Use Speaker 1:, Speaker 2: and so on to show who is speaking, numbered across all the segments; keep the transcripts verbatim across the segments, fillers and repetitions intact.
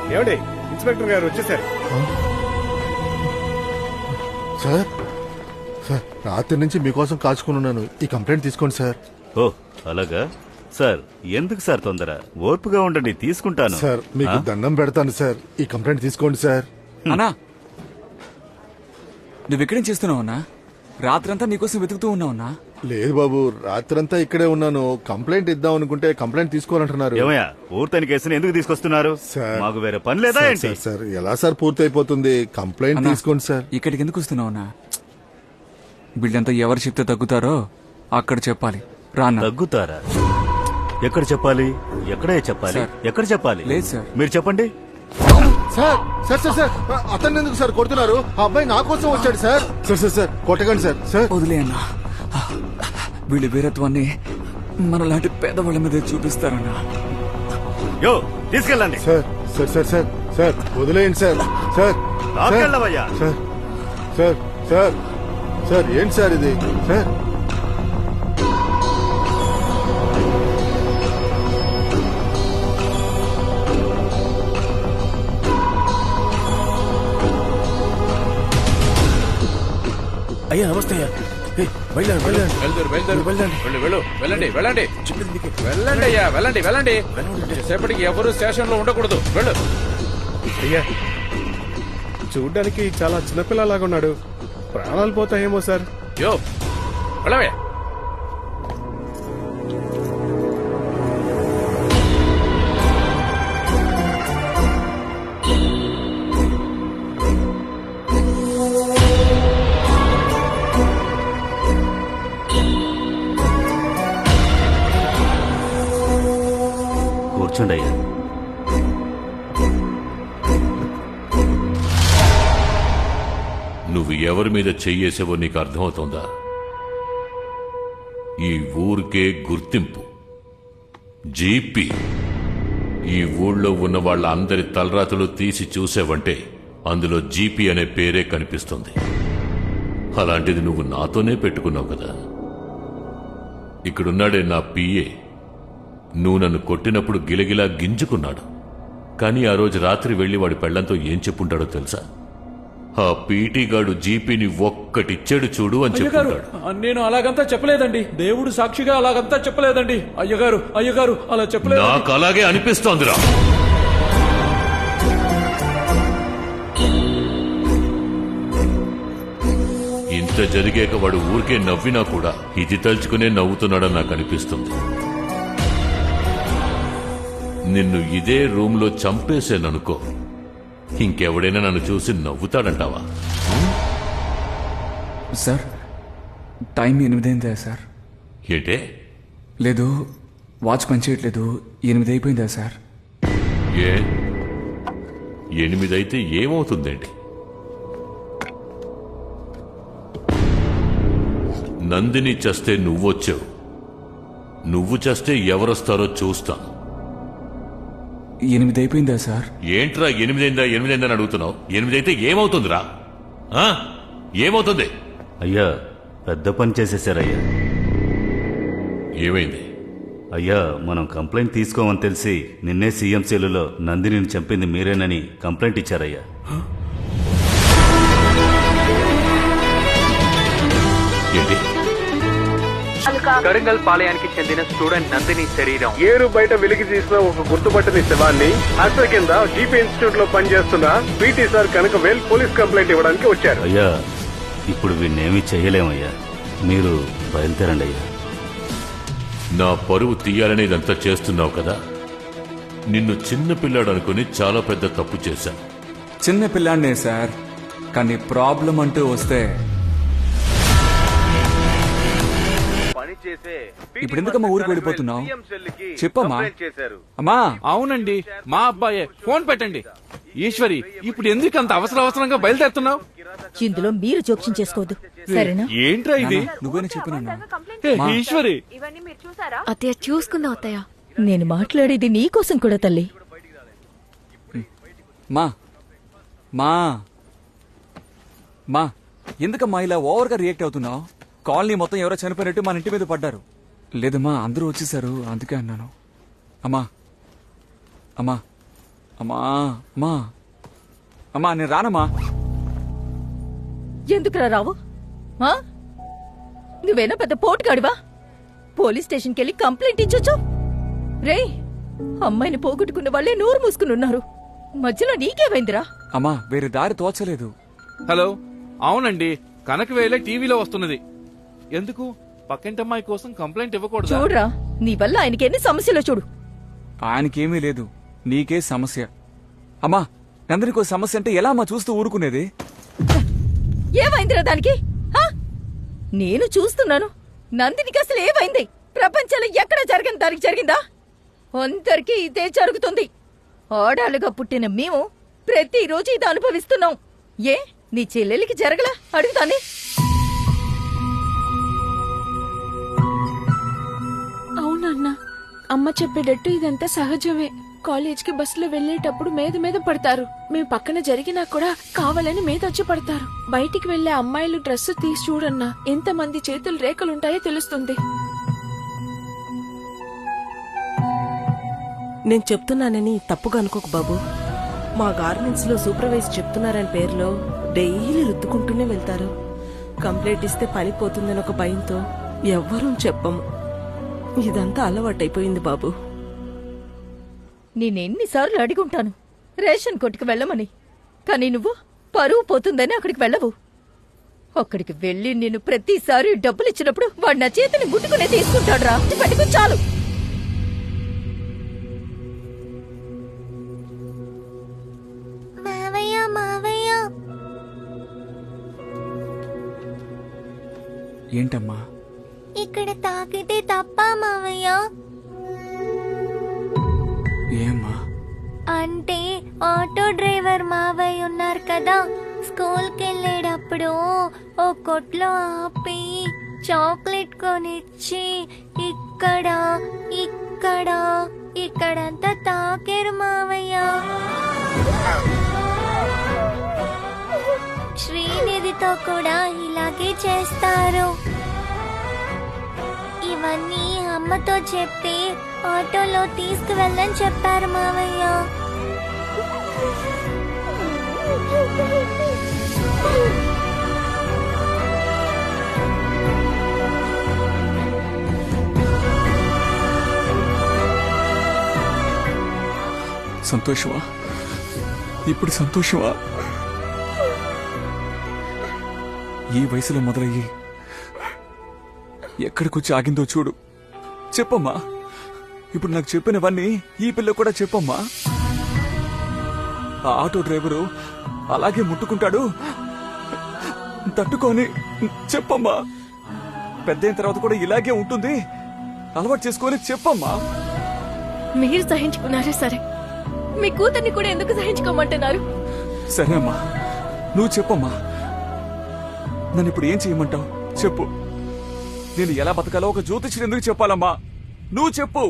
Speaker 1: ఏమండి ఇన్స్పెక్టర్ గారు వచ్చేసారు.
Speaker 2: సార్ సార్ రాత్రి నుంచి మీకోసం కాచుకుని ఉన్నాను. ఈ కంప్లైంట్ తీసుకోండి సార్.
Speaker 3: ఓ అలాగా సార్, ఎందుకు సార్ తొందర? ఓర్పుగా ఉండండి, తీసుకుంటాను.
Speaker 2: సార్ మీకు దండం పెడతాను సార్, ఈ కంప్లైంట్ తీసుకోండి సార్.
Speaker 4: అన్నా నువ్వు ఇక్కడేం చేస్తున్నావు అన్నా? రాత్రంతా నీకోసం వెతుకుతూ ఉన్నావున్నా.
Speaker 2: లేదు బాబు, రాత్రంతా ఇక్కడే ఉన్నాను. కంప్లైంట్ ఇద్దాం అనుకుంటే కంప్లైంట్ తీసుకోవాలంటున్నారు.
Speaker 3: ఏమయ్యా, ఊర్తని కేసుని ఎందుకు తీసుకొస్తున్నారు?
Speaker 2: సార్
Speaker 3: మాకు వేరే పని లేదా
Speaker 2: సార్,
Speaker 3: ఏంటి?
Speaker 2: సార్, సార్ ఎలా సార్ పూర్తి అయిపోతుంది? కంప్లైంట్
Speaker 4: అన్నా,
Speaker 2: తీసుకోండి సార్.
Speaker 4: ఇక్కడికి ఎందుకు వస్తున్నావు అన్నా? వీళ్ళంతా ఎవరు చెప్తే తగ్గుతారో అక్కడ చెప్పాలి. రాన్నా.
Speaker 3: తగ్గుతారా? ఎక్కడ చెప్పాలి? ఎక్కడే చెప్పాలి?
Speaker 4: సార్.
Speaker 3: ఎక్కడ చెప్పాలి?
Speaker 4: లేదు సార్.
Speaker 3: మీరు చెప్పండి.
Speaker 2: సార్ సార్ సార్ సార్ అతన్ని ఎందుకు సార్ కొడుతున్నారు? ఆ అబ్బాయి నా కోసం వచ్చాడు సార్. సార్ సార్ సార్ కొట్టకండి సార్. సార్
Speaker 4: వదిలే అన్నా, వీళ్ళ వీరత్వాన్ని మనలాంటి పేదవాళ్ళ మీద చూపిస్తారన్నా.
Speaker 3: యో తీసుకెళ్ళండి.
Speaker 2: Sir sir sir sir sir వదిలేయండి సార్. సార్
Speaker 3: రాకెళ్ళవయ్యా.
Speaker 2: సార్ సార్ సార్ సార్ ఏంటి సార్ ఇది? సార్
Speaker 1: అయ్యా నమస్తే అయ్యా. వెళ్ళండి వెళ్ళండి
Speaker 5: వెళ్తారు వెళ్తారు వెళ్ళండి వెళ్ళు వెళ్ళండి వెళ్ళండి వెళ్ళండి అయ్యా వెళ్ళండి వెళ్ళండి. సేపటికి ఎవరు స్టేషన్ లో ఉండకూడదు. వెళ్ళు.
Speaker 1: అయ్యా, చూడ్డానికి చాలా చిన్నపిల్లలాగా ఉన్నాడు. ప్రాణాలు పోతాయేమో సార్.
Speaker 5: యో వెళ్ళవే.
Speaker 3: కూర్చోండి అయ్యా.
Speaker 6: నువ్వు ఎవరి మీద చెయ్యేసావో నీకు అర్థమవుతోందా? ఈ ఊరికే గుర్తింపు జీపీ. ఈ ఊళ్ళో ఉన్న వాళ్ళ అందరి తలరాతలు తీసి చూసావంటే అందులో జీపీ అనే పేరే కనిపిస్తుంది. అలాంటిది నువ్వు నాతోనే పెట్టుకున్నావు కదా. ఇక్కడున్నాడే నా పిఏ, నువ్వు నన్ను కొట్టినప్పుడు గిలగిలా గింజుకున్నాడు. కానీ ఆ రోజు రాత్రి వెళ్లి వాడి పెళ్లంతో ఏం చెప్పుంటాడో తెలుసా? ఆ పీటీ గాడు జీపీని ఒక్కటిచ్చాడు చూడు అని
Speaker 5: అయ్యగారు,
Speaker 6: చెప్పుకుంటాడు.
Speaker 5: నేను అలాగంతా చెప్పలేదండి. దేవుడు సాక్షిగా అలాగంతా చెప్పలేదండి. అయ్యగారు అయ్యగారు అలా చెప్పలేదు.
Speaker 6: నాకు అలాగే అనిపిస్తోందిరా. ఇంత జరిగాక వాడు ఊరికే నవ్వినా కూడా ఇది తలుచుకునే నవ్వుతున్నాడని నాకు అనిపిస్తుంది. నిన్ను ఇదే రూమ్ లో చంపేశాననుకో, ఇంకెవడైనా నన్ను చూసి నవ్వుతాడంటావా?
Speaker 4: సార్ టైం ఎనిమిదైందా సార్?
Speaker 6: ఏంటే?
Speaker 4: లేదు, వాచ్ పనిచేయట్లేదు. ఎనిమిది అయిపోయిందా సార్?
Speaker 6: ఏ ఎనిమిదైతే ఏమవుతుందేంటి? నందిని చస్తే నువ్వొచ్చావు, నువ్వు చస్తే ఎవరొస్తారో చూస్తాను.
Speaker 4: ఎనిమిది అయిపోయిందా సార్?
Speaker 6: ఏంట్రా ఎనిమిదైందా ఎనిమిదైందా అని అడుగుతున్నావు? ఎనిమిదైతే ఏమవుతుందిరా? ఆ? ఏమవుతుంది?
Speaker 3: అయ్యా, పెద్ద పని చేసేసారయ్యా.
Speaker 6: ఏమైంది?
Speaker 3: అయ్యా, మనం కంప్లైంట్ తీసుకోమని తెలిసి నిన్నే సీఎం సెల్లులో నందినిని చంపింది మీరేనని కంప్లైంట్ ఇచ్చారయ్యా.
Speaker 6: ఏంటి?
Speaker 7: కరింగల్ పాలయానికి చెందిన స్టూడెంట్ నందిని శరీరం
Speaker 1: ఏరు బయట వెలికి తీసిన ఒక గుర్తుపట్టని శవాన్ని హత్య కింద జీపీ ఇన్స్టిట్యూట్ లో పనిచేస్తున్న PT sir Kanakavel police complaint ఇవ్వడానికి వచ్చారు.
Speaker 3: అయ్యా, ఇప్పుడు వీణ్ణేమీ చెయ్యలేమయ్యా. మీరు బయలుదేరండి అయ్యా.
Speaker 6: నా పరువు తీయాలని ఇదంతా చేస్తున్నావు కదా. నిన్ను చిన్న పిల్లాడు అనుకుని చాలా పెద్ద తప్పు చేశాను.
Speaker 4: చిన్న పిల్లాడినే సార్, కానీ ప్రాబ్లం అంటూ వస్తే ఇప్పుడు ఎందుకమ్మా ఊరికి వెళ్ళిపోతున్నావు? చెప్పమ్మా. అమ్మా.
Speaker 5: అవునండి, మా అబ్బాయే. ఫోన్ పెట్టండి. ఈశ్వరి, ఇప్పుడు ఎందుకు అంత అవసర అవసరంగా బయలుదేరుతున్నావు?
Speaker 8: ఇందులో మీరు జోక్యం చేసుకోవద్దు, సరేనా?
Speaker 5: ఏంట్రా ఇది?
Speaker 4: నువ్వేనా చెప్పినా?
Speaker 5: ఏ, ఈశ్వరి,
Speaker 8: అత్తయ్య చూసుకుందాం అత్తయ్య. నేను మాట్లాడేది నీకోసం కూడా తల్లి.
Speaker 4: మా మా మా ఎందుకమ్మా ఇలా ఓవర్గా రియాక్ట్ అవుతున్నావు? కాలనీ మొత్తం ఎవరో చనిపోయినట్టు మన ఇంటి మీద పడ్డారు. లేదమ్మా, అందరూ వచ్చేసారు, అందుకే అన్నాను. అమ్మా అమ్మా అమ్మా అమ్మా అమ్మా నేను రానమ్మా.
Speaker 8: ఎందుకురా రావు ఆ? నువ్వేనా పెద్ద పోటుగాడివా? పోలీస్ స్టేషన్కి వెళ్ళి కంప్లైంట్ ఇచ్చొచ్చు. రే, అమ్మాయిని పోగొట్టుకున్న వాళ్ళే నోరు మూసుకుని ఉన్నారు. మధ్యలో నీకేమైందిరా?
Speaker 4: అమ్మా వేరే దారి తోచలేదు.
Speaker 5: హలో, అవునండి, కనకవేలే టీవీలో వస్తున్నది. ఎందుకు? పక్కింటమ్మాయి కోసం కంప్లైంట్ ఇవ్వకూడదు.
Speaker 8: చూడరా, నీ వల్ల ఆయనకి ఎన్ని సమస్యలో చూడు.
Speaker 4: ఆయనకేమీ లేదు, నీకే సమస్య. అమ్మా నందినికో సమస్య అంటే ఎలా అమ్మా చూస్తూ ఊరుకునేది?
Speaker 8: ఏమైందిరా దానికి? ఆ? నేను చూస్తున్నాను. నందినికి అసలు ఏమైంది? ప్రపంచంలో ఎక్కడ జరగని దానికి జరిగిందా? అందరికీ ఇదే జరుగుతుంది. ఆడాలుగా పుట్టిన మేము ప్రతిరోజు ఇది అనుభవిస్తున్నాం. ఏ నీ చెల్లెలికి జరగలా? అడుగుతానే.
Speaker 9: అవునన్నా, అమ్మ చెప్పేటట్టు ఇదంతా సహజమే. కాలేజ్కి బస్సులో వెళ్లేటప్పుడు మీద మీద పడతారు. మేము పక్కన జరిగినా కూడా కావాలని మీద వచ్చి పడతారు. బయటికి వెళ్లే అమ్మాయిలు డ్రెస్ తీసి చూడన్నా, ఎంతమంది చేతులు రేఖలుంటాయో తెలుస్తుంది.
Speaker 10: నేను చెప్తున్నానని తప్పుగా అనుకోకు బాబు. మా గార్మెంట్స్ లో సూపర్వైజర్ చెప్తున్నారని పేరులో డైలీ రుద్దుకుంటూనే వెళ్తారు. కంప్లైంట్ ఇస్తే పని పోతుందని ఒక భయంతో ఎవ్వరూ చెప్పము. ఇదంతా అలవాటైపోయింది బాబు.
Speaker 8: నేనెన్నిసార్లు అడిగుంటాను రేషన్ కొట్టుకు వెళ్ళమని, కానీ నువ్వు పరువు పోతుందని అక్కడికి వెళ్ళవు. అక్కడికి వెళ్ళి నేను ప్రతిసారి డబ్బులు ఇచ్చినప్పుడు వాడు నా చేతిని గుట్టుకునే తీసుకుంటాడు. రా పట్టుకు చాలు.
Speaker 4: ఏంటమ్మా?
Speaker 9: ఇక్కడ తాకితే తప్ప మావయ్య?
Speaker 4: ఏమ్మా?
Speaker 9: అంటే ఆటో డ్రైవర్ మావయ్య ఉన్నారు కదా, స్కూల్కి వెళ్ళేటప్పుడు ఓ కొట్లో ఆపి చాక్లెట్ కొనిచ్చి ఇక్కడ ఇక్కడ ఇక్కడంతా తాకేరు మావయ్య. శ్రీనిధితో కూడా ఇలాగే చేస్తారు. ఇవన్నీ అమ్మతో చెప్పి ఆటోలో తీసుకువెళ్ళని చెప్పారు మావయ్య.
Speaker 4: సంతోషమా? ఇప్పుడు సంతోషమా? ఈ వయసులో మొదలయ్యి ఎక్కడికొచ్చి ఆగిందో చూడు. చెప్పమ్మా, ఇప్పుడు నాకు చెప్పినవన్నీ ఈ పిల్ల కూడా చెప్పమ్మా. ఆ ఆటో డ్రైవరు అలాగే ముట్టుకుంటాడు, తట్టుకొని చెప్పమ్మా. పెద్దయిన తర్వాత కూడా ఇలాగే ఉంటుంది, అలవాటు చేసుకొని చెప్పమ్మా.
Speaker 9: మీరు సహించుకున్నారే సరే, మీ కూతుర్ని కూడా ఎందుకు సహించుకోమంటున్నారు?
Speaker 4: సరే అమ్మా, నువ్వు చెప్పమ్మా. నన్ను ఇప్పుడు ఏం చేయమంటావు చెప్పు. నేను ఎలా బతకాలో ఒక జ్యోతిష్యుడు ఎందుకు చెప్పాలమ్మా? నువ్వు చెప్పు.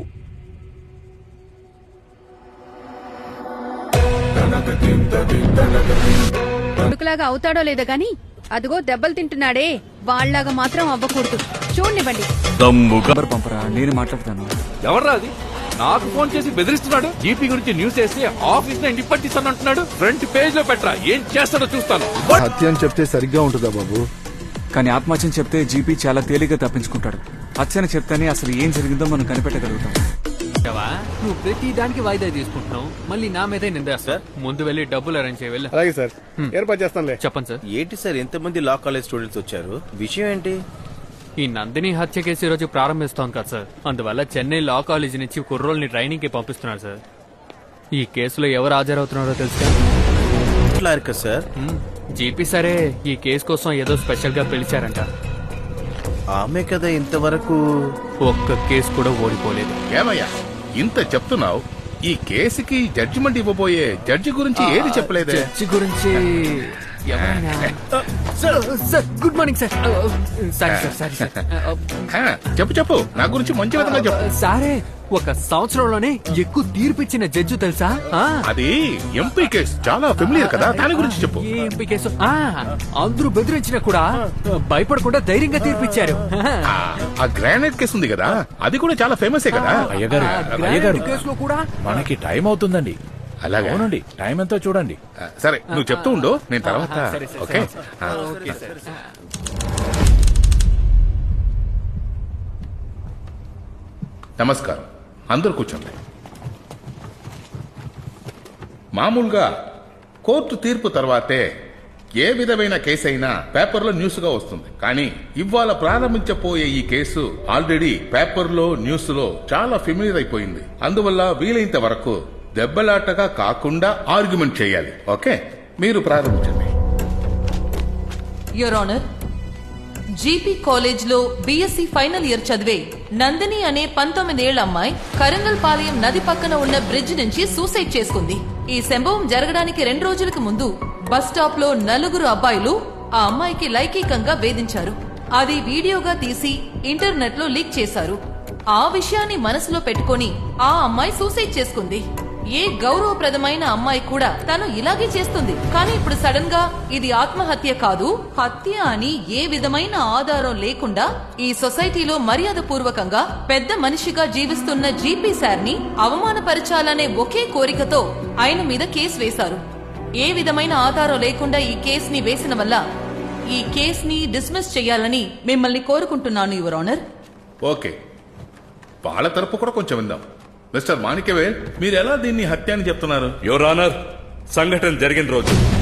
Speaker 11: కొడుకులాగా అవుతాడో లేదో గాని అదిగో దెబ్బలు తింటున్నాడే, వాళ్ళలాగా మాత్రం అవ్వకూడదు. చూడండివ్వండి.
Speaker 4: నంబర్ పంపరా, నేను మాట్లాడతాను.
Speaker 5: ఎవర్రా అది? నాకు ఫోన్ చేసి బెదిరిస్తున్నాడు. జీపీ గురించి న్యూస్ వేసి ఆఫీస్ లో నిప్పట్టిస్తాను అంటున్నాడు. ఫ్రంట్ పేజ్ లో పెట్టరా, ఏం చేస్తాడో చూస్తాను.
Speaker 2: హత్య అని చెప్తే సరిగ్గా ఉంటుందా బాబు?
Speaker 4: కానీ ఆత్మహత్యని చెప్తే జీపీ చాలా తేలిగ్గా తప్పించుకుంటాడు. హత్యని చెప్తేనే అసలు ఏం జరిగిందో మనం కనిపెట్టగలుగుతాం.
Speaker 12: నువ్వు ప్రతి దానికి వాయిదా తీసుకుంటున్నావు, మళ్ళీ నా మీదే నిందేస్తా. ముందు వెళ్ళి డబ్బులు అరేంజ్ చేయ.
Speaker 1: అలాగే సార్, ఏర్పాటు చేస్తానులే.
Speaker 12: చెప్పండి సార్.
Speaker 13: ఏంటి సార్ ఎంతమంది లా కాలేజ్ స్టూడెంట్స్ వచ్చారు? విషయం ఏంటి?
Speaker 12: ఈ నందిని హత్య కేసు ఈ రోజు ప్రారంభిస్తాం కదా సార్, అందువల్ల చెన్నై లా కాలేజ్ నుంచి కుర్రోల్ని ట్రైనింగ్ కి పంపిస్తున్నారు సార్. ఈ కేసులో ఎవరు హాజరవుతున్నారో తెలుసా?
Speaker 13: సార్
Speaker 12: జీపీ సరే ఈ కేసు కోసం ఏదో స్పెషల్ గా పిలిచారంట.
Speaker 13: ఆమె కదా ఇంతవరకు
Speaker 12: ఒక్క కేసు కూడా ఓడిపోలేదు.
Speaker 14: ఏమయ్యా ఇంత చెప్తున్నావు, ఈ కేసుకి జడ్జిమెంట్ ఇవ్వబోయే జడ్జి గురించి ఏది చెప్పలేదే?
Speaker 12: జడ్జి గురించి ఎవరైనా? Sir good morning sir. Sorry sir, sorry sir.
Speaker 14: చెప్పు చెప్పు, నా గురించి మంచి విధంగా చెప్పు.
Speaker 12: సారే ఒక సంవత్సరంలోనే ఎక్కువ తీర్పిచ్చిన జడ్జి తెలుసా?
Speaker 14: అది ఎంపీ కేసు, చాలా ఫెమిలియర్ కదా, దాని గురించి చెప్పు.
Speaker 12: ఏ ఎంపీ కేసు? అందరూ బెదిరించినా కూడా భయపడకుండా ధైర్యంగా తీర్పిచ్చారు.
Speaker 14: ఆ గ్రానైట్ కేసు ఉంది కదా, అది కూడా చాలా ఫేమస్ కదా.
Speaker 5: అయ్యగారు, అయ్యగారు
Speaker 12: కేసులో కూడా
Speaker 5: మనకి టైం అవుతుందండి.
Speaker 14: అలాగే
Speaker 5: అవునండి టైం ఎంతో చూడండి.
Speaker 14: సరే నువ్వు చెప్తూ ఉండు, నేను తర్వాత ఓకే ఆ. నమస్కారం, అందరూ కూర్చోండి. మామూలుగా కోర్టు తీర్పు తర్వాతే ఏ విధమైన కేసు అయినా పేపర్లో న్యూస్ గా వస్తుంది. కానీ ఇవాళ ప్రారంభించబోయే ఈ కేసు ఆల్రెడీ పేపర్లో న్యూస్ లో చాలా ఫెమిలియర్ అయిపోయింది. అందువల్ల వీలైనంత వరకు దెబ్బలాటగా కాకుండా ఆర్గ్యుమెంట్ చేయాలి. ఓకే, మీరు ప్రారంభించండి.
Speaker 15: యువర్ ఆనర్, జీపీ కాలేజ్ లో బీఎస్సీ ఫైనల్ ఇయర్ చదివే నందిని అనే పంతొమ్మిదేళ్ల అమ్మాయి కరంగల్ పాలెం నది పక్కన ఉన్న బ్రిడ్జ్ నుంచి సూసైడ్ చేసుకుంది. ఈ సంభవం జరగడానికి రెండు రోజులకు ముందు బస్ స్టాప్ లో నలుగురు అబ్బాయిలు ఆ అమ్మాయికి లైంగికంగా వేధించారు. అది వీడియోగా తీసి ఇంటర్నెట్ లో లీక్ చేశారు. ఆ విషయాన్ని మనసులో పెట్టుకొని ఆ అమ్మాయి సూసైడ్ చేసుకుంది. ఏ గౌరవప్రదమైన అమ్మాయి కూడా తను ఇలాగే చేస్తుంది. కానీ ఇప్పుడు సడన్ గా ఇది ఆత్మహత్య కాదు, హత్య అని ఏ విధమైన ఆధారం లేకుండా ఈ సొసైటీలో మర్యాద పూర్వకంగా పెద్ద మనిషిగా జీవిస్తున్న జీపీ సార్ ని అవమానపరచాలనే ఒకే కోరికతో ఆయన మీద కేసు వేశారు. ఏ విధమైన ఆధారం లేకుండా ఈ కేసుని వేసిన వల్ల ఈ కేసుని డిస్మిస్ చేయాలని మిమ్మల్ని కోరుకుంటున్నాను యువర్ ఆనర్.
Speaker 14: ఓకే, వాళ్ళ తరపు కూడా కొంచెం విందాం. మిస్టర్ మాణిక్యవేల్, మీరు ఎలా దీన్ని హత్య అని చెప్తున్నారు?
Speaker 3: యువర్ ఆనర్, సంఘటన జరిగిన రోజు